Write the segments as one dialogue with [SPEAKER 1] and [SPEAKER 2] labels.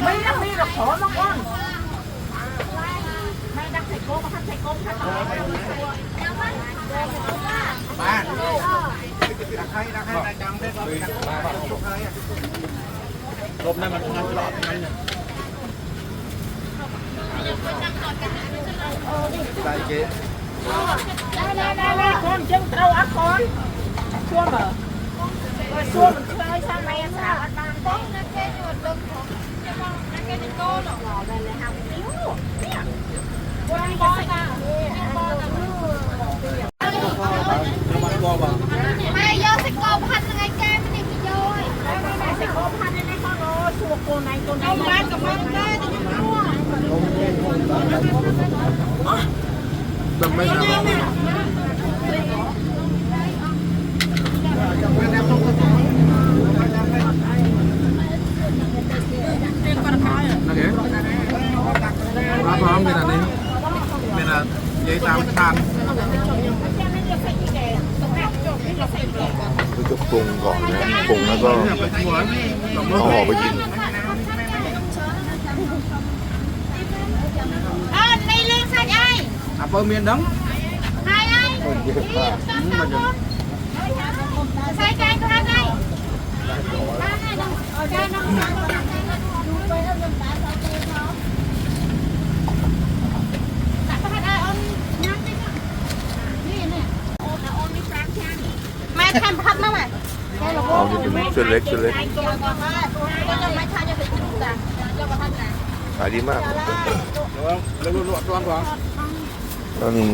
[SPEAKER 1] ไม่ต้องมีหรอกขอมาก่อนไม่ดักใส่โก้มาทำใส่โก้ทำต่อ
[SPEAKER 2] บ้านใครจังได้ลบนั่นมันงานตลอดนั่นเนี่ยได้เจ๊
[SPEAKER 1] ได้คนจึงเราอัดก่อนช่วงเหรอช่วงมันเคยใช่ไหมสาวอัดบ้านต้องนั่นแค่หยุดลมของจะมองนั่นแค่จะโก้หรอกหล่อเลยเลยทำนิ้วเนี่ยวันบอลกันบอลกันไม่ยอดสกอร์พันยังไงแกไม่ได้พี่ย้อยไม่สกอร์พันยังไงเขาโน้ชัวโกนไหนโกนไหนบ้านกับบ้านได้จะยังรั่ว
[SPEAKER 2] จำไม่ได้รับพร้อมกันอันนี้เป็นอะไรยัยตามทาง
[SPEAKER 3] ก็จะปรุงก่อนนะปรุงแล้วก็เอาออกไปกิน
[SPEAKER 1] ในเรื่องสัตว์ไอ้
[SPEAKER 2] เปิดเมียนดัง
[SPEAKER 1] ไอ้
[SPEAKER 3] คนเยอะมาก
[SPEAKER 1] ใส่ใจก็ได้ได้ได้น้องดูไปแล้วมันตาสาวเจ้าเขาแต่พัดไอ้ออนน้ำนี่เนี่ยโอ้แต่ออนนี่แฟนแค่แม่ทำพัดมาไหม
[SPEAKER 3] เอาที่เป็นเส้นเล็กก็
[SPEAKER 1] ยังไม่ทานจะไปดูแต่จะมาทำไหน
[SPEAKER 3] ขายดีมาก
[SPEAKER 2] แล้วรวดร้อนกว่า
[SPEAKER 3] แล้วนี่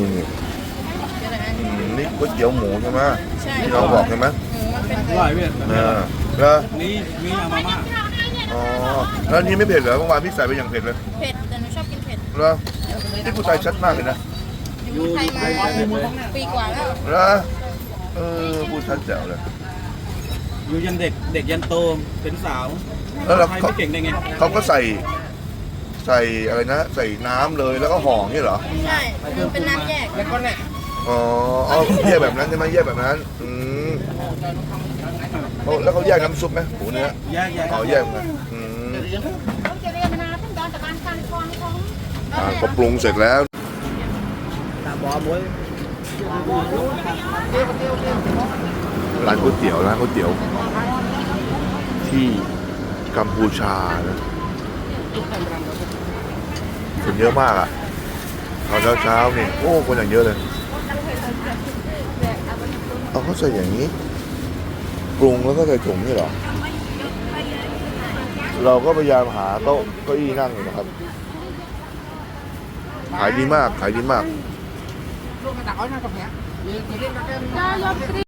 [SPEAKER 3] นี่ก๋วยเตี๋ยวหมูใช่ไหมที่เราบอกใช่ไหม
[SPEAKER 2] อร่อยเว้ย
[SPEAKER 3] แล้ว
[SPEAKER 2] นี่มีอาม่า
[SPEAKER 3] อ๋อแล้วนี่ไม่เผ็ดเหรอเมื่อวานพี่ใส่ไปอย่างเผ็ดเลย
[SPEAKER 1] เผ็ดแต่หนูชอบกินเผ็ด
[SPEAKER 3] แล้วนี่ผู้ชายชัดมากเลยนะ
[SPEAKER 1] อยู่ไทยมาปีกว่าแล้ว
[SPEAKER 3] แล้วผู้ชัดแจ๋วเลย
[SPEAKER 2] อยู่ยันเด็กยันโตเป็นสาว
[SPEAKER 3] แล้วเรา
[SPEAKER 2] ไม่เก่งได้ไง
[SPEAKER 3] เขาก็ใส่อะไรนะใส่น้ำเลยแล้วก็ห่อนี่เหรอ
[SPEAKER 1] ใช่เป็นน้ำแยกแล้วก็เนี่ย
[SPEAKER 3] อ๋อแยกแบบนั้นใช่ไหมแยกแบบนั้นแล้วเขาแยกน้ำซุปไหมหมูเนื้ออ๋อแยกกันก็ปรุงเสร็จแล้วร้านก๋วยเตี๋ยวที่กัมพูชานะคนเยอะมากอ่ะตอนเช้านี่โอ้คนอย่างเยอะเลยเอาเขาใส่อย่างนี้ปรุงแล้วก็ใส่ถุงนี่เหรอเราก็พยายามหาโต๊ะเก้าอี้นั่งอยู่นะครับขายดีมาก